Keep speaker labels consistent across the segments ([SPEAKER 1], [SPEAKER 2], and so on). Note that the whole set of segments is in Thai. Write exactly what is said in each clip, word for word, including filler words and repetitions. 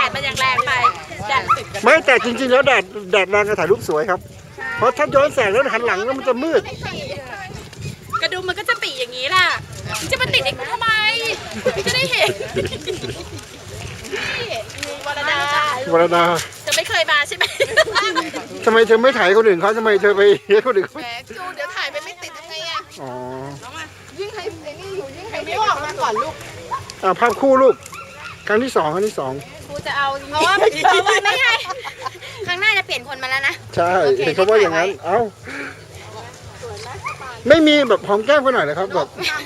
[SPEAKER 1] มันยังแรงไปแดด
[SPEAKER 2] ไม่แต่จริงๆแล้วแดดแดดแรงก็ถ่ายรูปสวยครับ เพราะถ้าย้อนแสงแล้วหันหลังแล้วมันจะมืด
[SPEAKER 1] กระดุมมันก็จะปีอย่างนี้แหละจะมาติดเองทำไมจะได้เห็นวรดาว
[SPEAKER 2] รดา
[SPEAKER 1] จะไม่เคยมาใช่ไหม
[SPEAKER 2] ทำไมเธอไม่ถ่ายคนอื่นเขาทำไมเธอไปเฮ้คนอื่นเขา
[SPEAKER 1] แหมจูเดี๋ยวถ่ายไปไม่ติดทำไงอ่ะ
[SPEAKER 2] อ๋อ
[SPEAKER 1] ยิ่งให้ไอ้นี่อยู่ยิ่งให้ไม่ออกมาก่อนลูก
[SPEAKER 2] อ่าภาพคู่ลูกครั้งที่สองครั้งที่สอง
[SPEAKER 1] ครูจะเอาเพราะว่าเพราะว่าไม่ให้ครั้งหน้าจะเปลี่ยนคนมาแล้วนะ
[SPEAKER 2] ใช่เห็นเขาว่าอย่างนั้นเอ้าไม่มีแบบหอมแก้มกันหน่อยเลยครับแบบ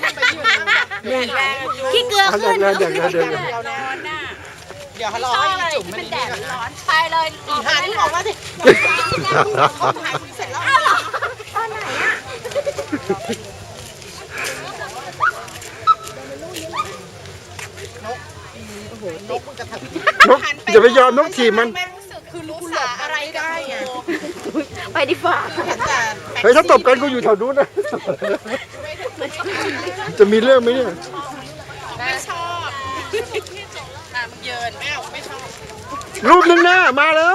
[SPEAKER 1] ขี้เกลือ
[SPEAKER 2] เอา
[SPEAKER 1] ขึ้น
[SPEAKER 2] เดี๋ยวเดี๋ยวเดี๋ยวเดี๋ยวเดี๋ยว
[SPEAKER 1] ร้อนน่ะ
[SPEAKER 3] เดี๋ยวเขารอ
[SPEAKER 1] ชอบ
[SPEAKER 3] ให้
[SPEAKER 1] อะไร
[SPEAKER 3] จุ่ม
[SPEAKER 1] ที่
[SPEAKER 3] มั
[SPEAKER 1] มัน น
[SPEAKER 3] แด
[SPEAKER 1] แด
[SPEAKER 3] ด
[SPEAKER 1] ดร้อนไปเลยออก
[SPEAKER 3] หาที่ออกมาสิ
[SPEAKER 1] เขาถ่ายเสร็จแล้วอ้าวเหรอตอนไหนอ่ะ
[SPEAKER 3] นกมันกระถับ
[SPEAKER 2] นกอย่าไปยอมนกถีบมัน
[SPEAKER 1] คือรู้สาอะไรได้ไงไปดีกว่า
[SPEAKER 3] เห็นแต่
[SPEAKER 2] เฮ้ยถ้าตบกันกูอยู่แถวนู้นนะจะมีเรื่องไหมเนี่ย
[SPEAKER 1] ไม่ชอบอ่ะมึงเยินไม่เอาไม่ชอบ
[SPEAKER 2] รูปหนึ่งหน้ามาแล้ว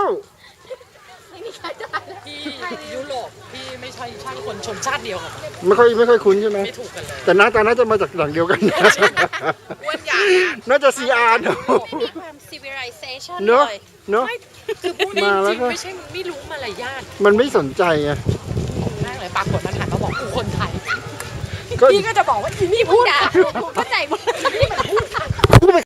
[SPEAKER 3] พี่ยุโรปพี่ไม่ใช่ใช่คนชนชาติเดียวกับ
[SPEAKER 2] ไม่ค่อยไม่ค่อยคุ้นใช่ไหม
[SPEAKER 3] ไม่ถูกกันเลย
[SPEAKER 2] แต่หน้าตาน่าจะมาจากหลังเดียวกันนะ
[SPEAKER 3] อ้วนใหญ่
[SPEAKER 2] น่าจะซีอาร์เนอะ
[SPEAKER 1] มีความ civilization
[SPEAKER 2] เนอะ
[SPEAKER 1] เลย
[SPEAKER 2] เนอะ
[SPEAKER 3] คือพูดจ
[SPEAKER 2] มาแล้ว
[SPEAKER 3] ริง
[SPEAKER 2] ก็
[SPEAKER 3] ๆไม่ใช่ไม่รู้มารยาท
[SPEAKER 2] มันไม่สนใจไง
[SPEAKER 3] แรกเลยปรากฏมันหันมาบอกกูคนไทย
[SPEAKER 2] ก็
[SPEAKER 3] พี่ก็จะบอกว่าอีนี่พูด
[SPEAKER 1] ด่าเข้าใจหมด
[SPEAKER 3] นี่มันพูดไท